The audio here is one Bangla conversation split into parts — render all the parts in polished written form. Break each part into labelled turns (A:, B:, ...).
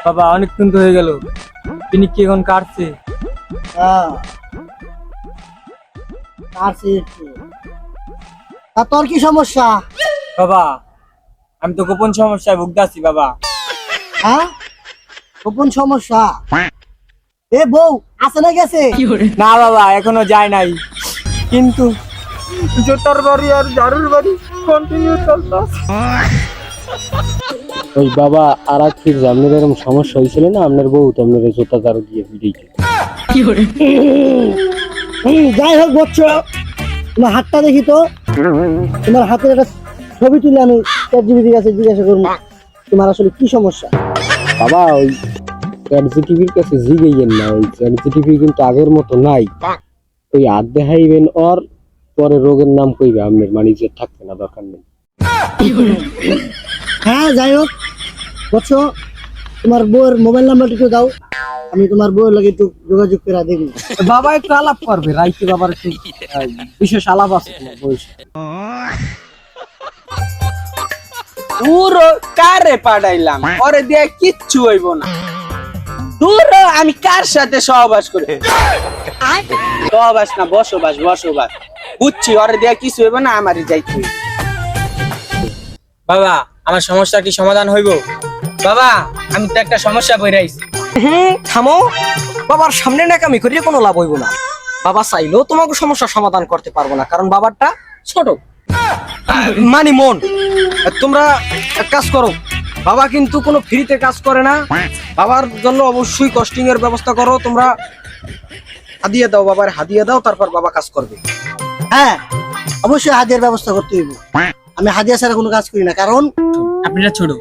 A: বাবা অনেকক্ষণ তো হয়ে গেল, তিনি কি এখন কাটছে?
B: হ্যাঁ কাটছি একটু। তা তোর কি সমস্যা?
A: বাবা আমি তো গোপন সমস্যায় ভুগতাছি বাবা।
B: হ্যাঁ গোপন সমস্যা? এ বউ আছে না গেছে?
A: না বাবা এখনো যায় নাই, কিন্তু জোতার বাড়ি আর ঝাড়ুর বাড়ি কন্টিনিউ চলতেছে।
C: ওই বাবা আর কি আপনার এরকম সমস্যা হয়েছিল না, আপনার বউ তো আপনার জোতা দাঁড় দিয়ে ফিরেছে।
B: যাই হোক বলছো, তোমার হাতটা দেখি তো। তোমার হাতের একটা ছবি তুলে আমি চ্যাটজিপিটির কাছে জিজ্ঞাসা করবো তোমার আসলে কি সমস্যা।
C: বাবা ওই চ্যাটজিপিটির কাছে জিগেইয়েন না, ওই চ্যাটজিপিটি কিন্তু আগের মতো নাই। ওই হাত দেখাইবেন ওর পরে রোগের নাম কইবে আপনার, মানে যে থাকবে না, দরকার নেই।
B: হ্যাঁ যাই হোক বলছো, তোমার বউয়ের মোবাইল নাম্বারটা একটু দাও, আমি তোমার বউয়ের লাগে একটু যোগাযোগ করে দেখি।
D: বাবা একটু আলাপ করবে, রাইতে বাবার একটু বিশেষ আলাপ আছে তোমার বয়স।
E: পুরো কারে পাঠাইলাম, ওরে দিয়ে কিচ্ছু হইব না। দূর হ, আমি কার সাথে সহবাস করি? সহবাস না বসবাস, বসবাস বুঝছি। ওরে দিয়ে কিছু হইব না, আমারই যাইতে হইব।
A: বাবা আমার সমস্যা কি সমাধান হইব?
D: বাবা আমি তো একটা সমস্যা বই রাইছি। থামো, বাবার সামনে নাকামি করিয়ে কোনো লাভ হইব না। বাবা চাইলেও তোমাকে সমস্যার সমাধান করতে পারবো না, কারণ বাবারটা ছোট। মানি মন, তোমরা এক কাজ করো, বাবা কিন্তু কোনো ফ্রিতে কাজ করে না। বাবার জন্য অবশ্যই কস্টিং এর ব্যবস্থা করো। তোমরা হাদিয়া দাও, বাবার হাদিয়া দাও, তারপর বাবা কাজ করবে।
B: হ্যাঁ অবশ্যই হাদিয়ার ব্যবস্থা করতে হইব। আমি হাদিয়া ছাড়া কোনো কাজ করি না, কারণ
A: আপনারা ছোট।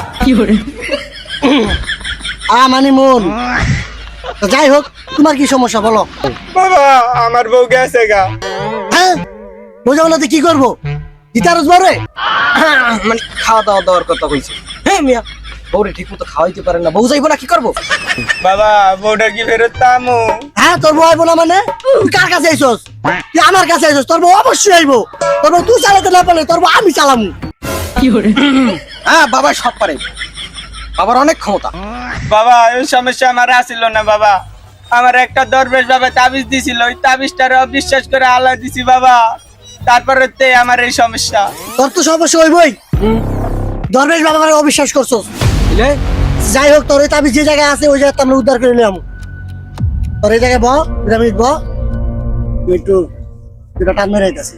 B: মানে মন। তো যাই হোক তোমার কি সমস্যা বলো।
E: বাবা আমার বউ গেছে গা।
B: হ্যাঁ বোঝা বলো কি করবো, দিতারস বরে?
D: মানে খাওয়া দাওয়া দেওয়ার কথা কইছে। হ্যাঁ মিয়া, বউরে ঠিক মতো খাওয়াইতে পারেন না, বউ যাইবো না কি করবো?
E: বাবা বউটা কি ফেরত তামু?
B: হ্যাঁ তোর বউ আইবো না মানে? তুই কার কাছে আইছস? তুই আমার কাছে আইছস, তোর বউ অবশ্যই আইবো। তোর বউ তুই চালাতে না পারলে তোর বউ আমি চালামু।
D: হ্যাঁ বাবা সব পারে, বাবার অনেক ক্ষমতা।
E: বাবা এই সমস্যা আমার আসিল না বাবা। আমার একটা দরবেশ বাবা তাবিজ দিছিল, ওই তাবিজটার অবিশ্বাস করে আল্লাহ দিছি বাবা। তারপরে তে আমার এই সমস্যা।
B: তোর তো সমস্যা হইবই, দরবেশ বাবাকে অবিশ্বাস করছস।
D: বুঝলে?
B: যাই হোক তোর এই তাবিজ যে জায়গায় আছে ওই জায়গায় আমরা উদ্ধার করে নিলাম। তোর এই জায়গায় বহ, 2 মিনিট বহ, একটু দুটা টান মেরে আইতাছি।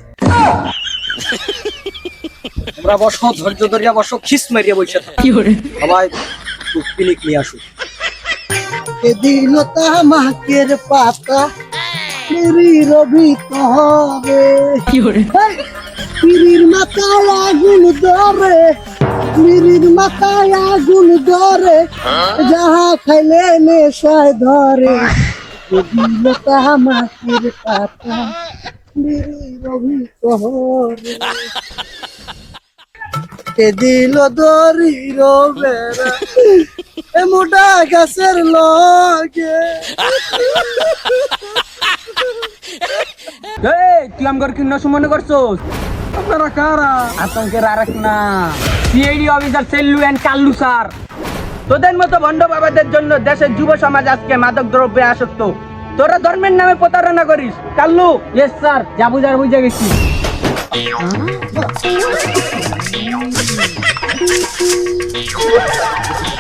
D: তোমরা বসো, ধৈর্য ধরিয়া বসো, খিস মারিয়া বসে থাকো। সবাই একটু পিনিক নিয়ে আসো।
B: এ দিল তামাকের পাতা মেরি রবি তবে পিরির মাথায় আগুন ধরে, পিরির মাথায় আগুন ধরে, যাহা খাইলে নেশায় ধরে। এ দিল তামাকের পাতা মেরি রবি তবে, এ দিল দরি রবেরা এ মোটা গাছের লগে।
E: তুই আমার কি নষ্ট মনে করছোস?
D: আপনারা কারা?
E: আতঙ্কের আরেক না, CID officer Sellu and Kallu sir. তোদের মতো ভণ্ড বাবাদের জন্য দেশের যুব সমাজ আজকে মাদক দ্রব্যে আসক্ত। তোরা ধর্মের নামে প্রতারণা করিস। কাল্লু। ইয়েস স্যার, যা বুঝার বুঝে গেছি।